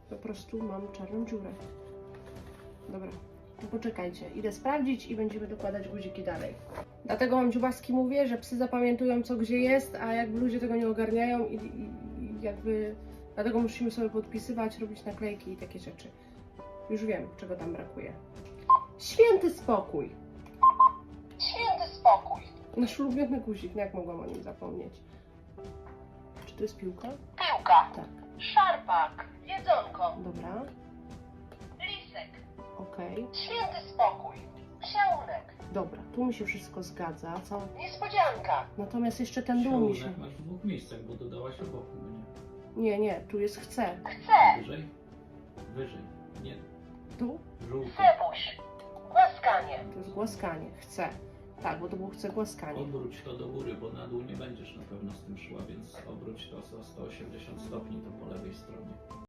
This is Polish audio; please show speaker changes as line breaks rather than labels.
po prostu mam czarną dziurę. Dobra, to poczekajcie. Idę sprawdzić i będziemy dokładać guziki dalej. Dlatego mam dziubaski mówię, że psy zapamiętują co gdzie jest, a jakby ludzie tego nie ogarniają i jakby... Dlatego musimy sobie podpisywać, robić naklejki i takie rzeczy. Już wiem, czego tam brakuje. Święty spokój!
Święty spokój.
Nasz ulubiony guzik, no jak mogłam o nim zapomnieć? Czy to jest piłka?
Piłka.
Tak,
Szarpak. Jedzonko.
dobra,
Lisek.
okej.
Święty spokój. Psiałunek.
Dobra, tu mi się wszystko zgadza, co?
Niespodzianka.
Natomiast jeszcze ten dół mi się...
Siałunek masz w dwóch miejscach, bo dodałaś obok mnie.
Nie, tu jest chce.
Chce.
Wyżej? Wyżej. Nie.
Tu?
Żółty.
Sebuś. Głaskanie.
To jest głaskanie, chce. Tak, bo to było chce głaskanie.
Obróć to do góry, bo na dół nie będziesz na pewno z tym szła, więc obróć to o 180 stopni, to po lewej stronie.